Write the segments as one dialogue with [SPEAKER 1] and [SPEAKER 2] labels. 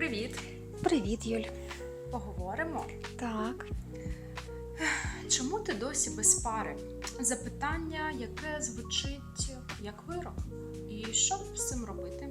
[SPEAKER 1] Привіт!
[SPEAKER 2] Привіт, Юль.
[SPEAKER 1] Поговоримо.
[SPEAKER 2] Так.
[SPEAKER 1] Чому ти досі без пари? Запитання, яке звучить як вирок. І що з цим робити?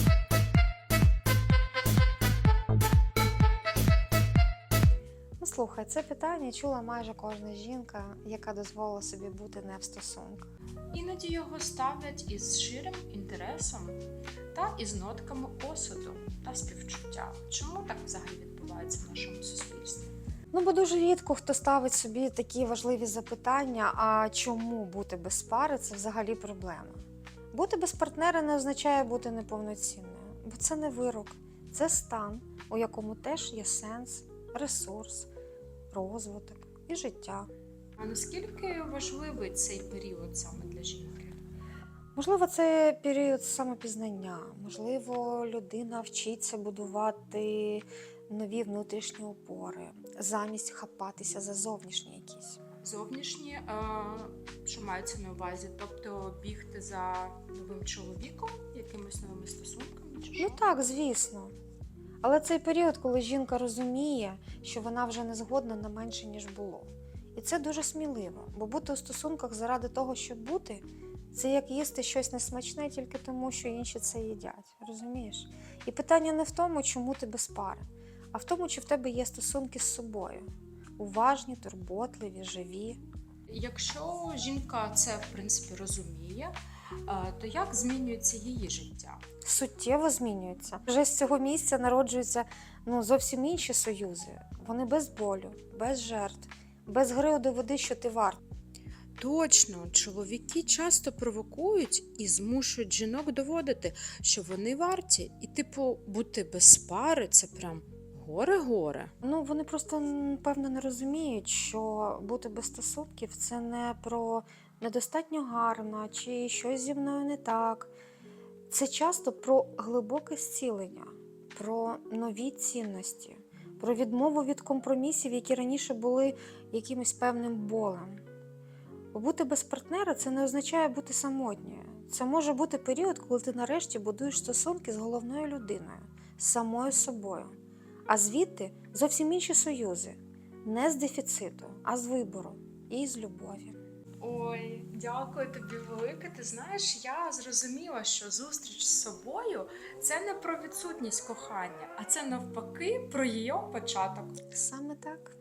[SPEAKER 2] Ну, слухай, це питання чула майже кожна жінка, яка дозволила собі бути не в стосунках.
[SPEAKER 1] Іноді його ставлять із щирим інтересом та із нотками осуду та співчуття. Чому так взагалі відбувається в нашому суспільстві?
[SPEAKER 2] Ну, бо дуже рідко хто ставить собі такі важливі запитання, а чому бути без пари – це взагалі проблема. Бути без партнера не означає бути неповноцінною, бо це не вирок, це стан, у якому теж є сенс, ресурс, розвиток і життя.
[SPEAKER 1] А наскільки важливий цей період саме для жінки?
[SPEAKER 2] Можливо, це період самопізнання, можливо, людина вчиться будувати нові внутрішні опори, замість хапатися за зовнішні якісь.
[SPEAKER 1] Зовнішні, що мається на увазі? Тобто бігти за новим чоловіком, якимись новими стосунками? Чи що?
[SPEAKER 2] Ну так, звісно. Але цей період, коли жінка розуміє, що вона вже не згодна на менше, ніж було. І це дуже сміливо, бо бути у стосунках заради того, щоб бути, це як їсти щось несмачне тільки тому, що інші це їдять, розумієш? І питання не в тому, чому ти без пари, а в тому, чи в тебе є стосунки з собою. Уважні, турботливі, живі.
[SPEAKER 1] Якщо жінка це, в принципі, розуміє, то як змінюється її життя?
[SPEAKER 2] Суттєво змінюються. Вже з цього місця народжуються зовсім інші союзи. Вони без болю, без жертв, без гри у доведи, що ти варт.
[SPEAKER 1] Точно, чоловіки часто провокують і змушують жінок доводити, що вони варті. І, бути без пари – це прям горе-горе.
[SPEAKER 2] Вони просто, певно, не розуміють, що бути без стосунків – це не про недостатньо гарна чи щось зі мною не так. Це часто про глибоке зцілення, про нові цінності, про відмову від компромісів, які раніше були якимось певним болем. Бо бути без партнера – це не означає бути самотньою. Це може бути період, коли ти нарешті будуєш стосунки з головною людиною, з самою собою. А звідти зовсім інші союзи. Не з дефіциту, а з вибору і з любові.
[SPEAKER 1] Ой, дякую тобі велике. Ти знаєш, я зрозуміла, що зустріч з собою – це не про відсутність кохання, а це навпаки про її початок.
[SPEAKER 2] Саме так.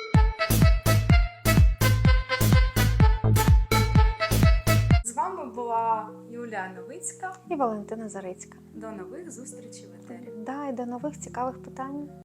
[SPEAKER 1] З вами була Юлія Новицька.
[SPEAKER 2] І Валентина Зарицька.
[SPEAKER 1] До нових зустрічей в етері.
[SPEAKER 2] І до нових цікавих питань.